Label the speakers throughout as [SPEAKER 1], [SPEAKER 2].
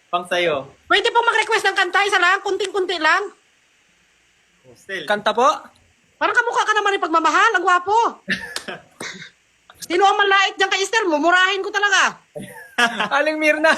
[SPEAKER 1] Pang sayo.
[SPEAKER 2] Pwede po mag-request ng kanta, isa lang, kunting-kunti lang.
[SPEAKER 1] Hostel.
[SPEAKER 3] Kanta po?
[SPEAKER 2] Parang kamukha ka naman ng pagmamahal, ang gwapo. Sino ang malait dyan kay Esther? Mumurahin ko talaga.
[SPEAKER 3] Aling Mirna.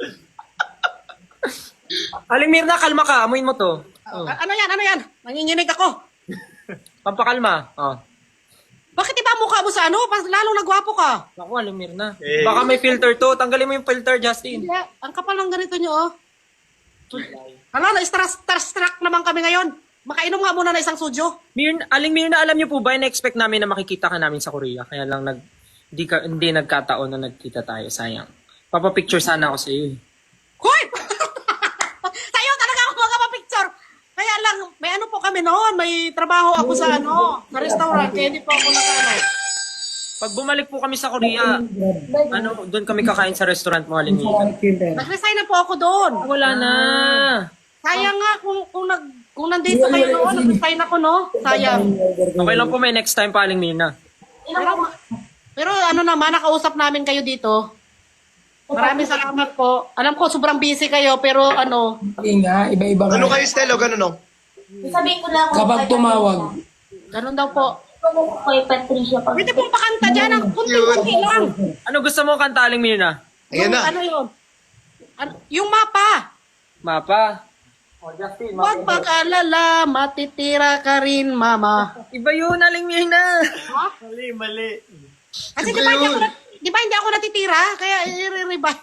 [SPEAKER 3] Aling Mirna, kalma ka. Amuin mo to. Oh.
[SPEAKER 2] Ano yan? Nanginginig ako.
[SPEAKER 3] Pampakalma. Oh.
[SPEAKER 2] Bakit iba ang mukha mo sa ano? Lalong nagwapo ka.
[SPEAKER 3] Ako, Aling Mirna.
[SPEAKER 1] Eh.
[SPEAKER 3] Baka may filter to. Tanggalin mo yung filter, Justin.
[SPEAKER 2] Hindi, ang kapal ng ganito nyo, oh. Hala, na-starstruck naman kami ngayon. Makainom nga muna na isang sujo.
[SPEAKER 3] Aling Mirna, alam niyo po ba, na-expect namin na makikita ka namin sa Korea. Kaya lang hindi nagkataon na nagkita tayo. Sayang. Papapicture sana ako sa iyo.
[SPEAKER 2] Hoy! Tayo talaga ako magpapicture. Kaya lang, may ano po kami noon. May trabaho ako sa sa restaurant. Kaya hindi po ako
[SPEAKER 3] Pag bumalik po kami sa Korea, doon kami kakain sa restaurant mo, Aling Mirna.
[SPEAKER 2] Nag-resign na po ako doon.
[SPEAKER 3] Wala na.
[SPEAKER 2] Sayang nga kung nandito kayo noon, nag-resign ako, no? Sayang.
[SPEAKER 3] Okay lang po, may next time pa, Aling Mirna.
[SPEAKER 2] Pero ano naman, nakausap namin kayo dito. Maraming salamat po. Alam ko, sobrang busy kayo, pero
[SPEAKER 4] Hindi nga, iba-iba
[SPEAKER 5] Ano
[SPEAKER 4] ka.
[SPEAKER 5] kayo, Stelo? Ganun, no?
[SPEAKER 6] Sabihin ko lang
[SPEAKER 4] Kapag tumawag.
[SPEAKER 2] ganun daw po.
[SPEAKER 6] kay Patricia pag
[SPEAKER 2] Pwede pong pakanta dyan, ang kunti-kunti lang.
[SPEAKER 3] Ano gusto mo kanta, Aling Mirna?
[SPEAKER 5] Ayan na.
[SPEAKER 2] Ano yun? Yung mapa.
[SPEAKER 3] Mapa. Oh, Justin,
[SPEAKER 2] Huwag mag-alala, matitira ka rin, mama.
[SPEAKER 3] Iba yun, Aling Mirna.
[SPEAKER 1] Mali.
[SPEAKER 2] Kasi di ba hindi ako natitira? Kaya i-revive.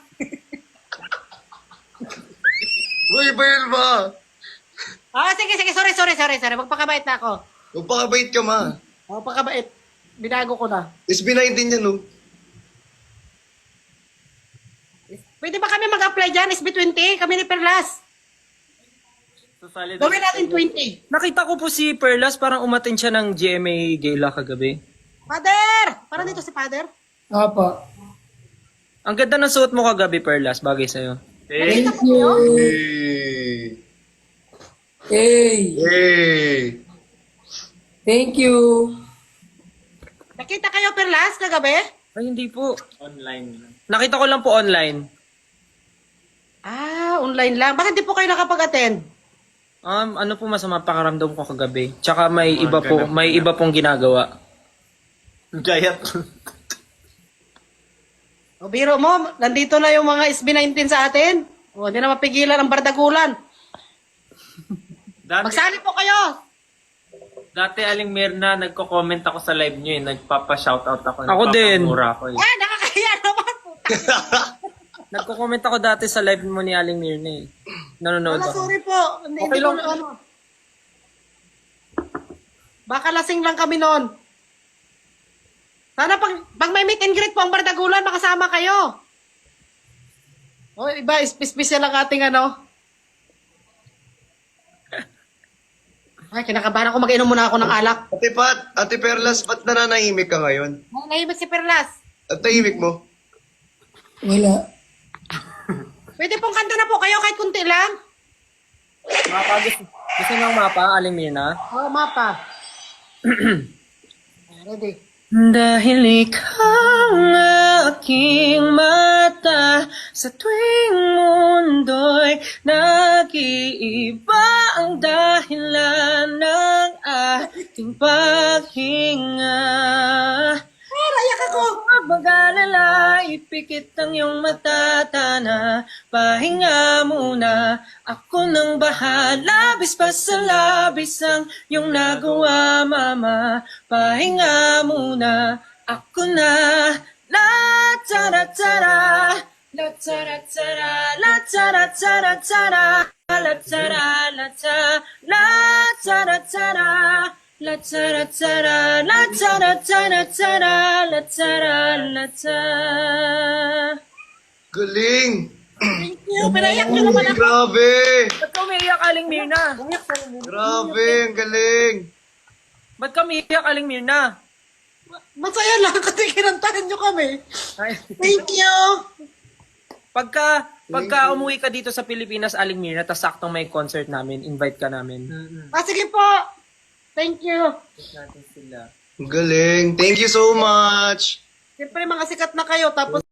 [SPEAKER 5] Uy, bayan ba?
[SPEAKER 2] Sige. Sorry. Magpakabait na ako.
[SPEAKER 5] Magpakabait ka, ma.
[SPEAKER 2] Magpakabait. Binago ko na.
[SPEAKER 5] SB19 yan, no?
[SPEAKER 2] Pwede ba kami mag-apply dyan? SB20? Kami ni Perlas. Gawin natin 20.
[SPEAKER 3] Nakita ko po si Perlas, parang umattend siya ng GMA Gala kagabi.
[SPEAKER 2] Father! Parang dito si Father.
[SPEAKER 4] Apa.
[SPEAKER 3] Ang ganda ng suot mo kagabi, Perlas, bagay sa'yo.
[SPEAKER 5] Hey!
[SPEAKER 4] Hey,
[SPEAKER 5] Hey!
[SPEAKER 4] thank you.
[SPEAKER 2] Nakita kayo Perlas kagabi?
[SPEAKER 3] Ay, hindi po.
[SPEAKER 1] Online lang.
[SPEAKER 3] Nakita ko lang po online.
[SPEAKER 2] Online lang. Bakit di po kayo nakapag-attend?
[SPEAKER 3] Ano po masama pakaramdam ko kagabi? Tsaka may iba pong ginagawa.
[SPEAKER 1] Gayat.
[SPEAKER 2] O biro mo, nandito na yung mga SB19 sa atin. O, hindi na mapigilan ang bardagulan. Magsali po kayo.
[SPEAKER 1] Dati, Aling Mirna, nagko-comment ako sa live nyo eh. Nagpapa-shoutout ako.
[SPEAKER 3] Ako din.
[SPEAKER 1] Nagpapamura ako eh.
[SPEAKER 2] Nakakahiya naman po.
[SPEAKER 3] Nagko-comment ako dati sa live mo ni Aling Mirna eh. Nanonood
[SPEAKER 2] Wala,
[SPEAKER 3] ako.
[SPEAKER 2] sorry po. Hindi
[SPEAKER 3] lang.
[SPEAKER 2] ko Baka lasing lang kami noon. Sana pag may meet and greet po ang bardagulan, makasama kayo. O, iba, special lang ating Ay, kinakabahan ako. Mag-inom muna ako ng alak.
[SPEAKER 5] Ate Pat, Ate Perlas, ba't nananahimik ka ngayon?
[SPEAKER 2] Ay, nahimik si Perlas.
[SPEAKER 5] At tahimik mo?
[SPEAKER 4] Wala.
[SPEAKER 2] Pwede pong kanta na po kayo kahit kunti lang.
[SPEAKER 3] Mapa, gusto nyo ang mapa, Aling Mirna?
[SPEAKER 2] Oo, mapa. Ready.
[SPEAKER 3] Dahil ikaw ang aking mata sa tuwing mundo'y nag-iiba ang dahilan ng ating paghinga.
[SPEAKER 2] Rayak ako.
[SPEAKER 3] Huwag mag-alala, ipikit ang iyong matatana. Pahinga muna, ako nang bahala. Labis pa sa labis ang iyong nagawa, mama. Pahinga muna, ako na. La tara tara, la tara tara, la tara tara tara, la tara la tara, la tara tara. La tara tara, la tara tara tara, la tara la tara.
[SPEAKER 5] Galing!
[SPEAKER 2] Thank you. Pinayak nyo naman ako.
[SPEAKER 5] Grabe!
[SPEAKER 3] Ba't ka umiiyak, Aling Mirna?
[SPEAKER 5] Grabe, ang galing!
[SPEAKER 3] Ba't ka umiiyak, Aling Mirna?
[SPEAKER 2] Masaya lang kasi kinantahan nyo kami.
[SPEAKER 3] Ay,
[SPEAKER 2] Thank you.
[SPEAKER 3] pagka umuwi ka dito sa Pilipinas, Aling Mirna, tas saktong may concert namin, invite ka namin.
[SPEAKER 2] Sige po. Thank you.
[SPEAKER 5] Ang galing. Thank you so much!
[SPEAKER 2] Siyempre mga sikat na kayo tapos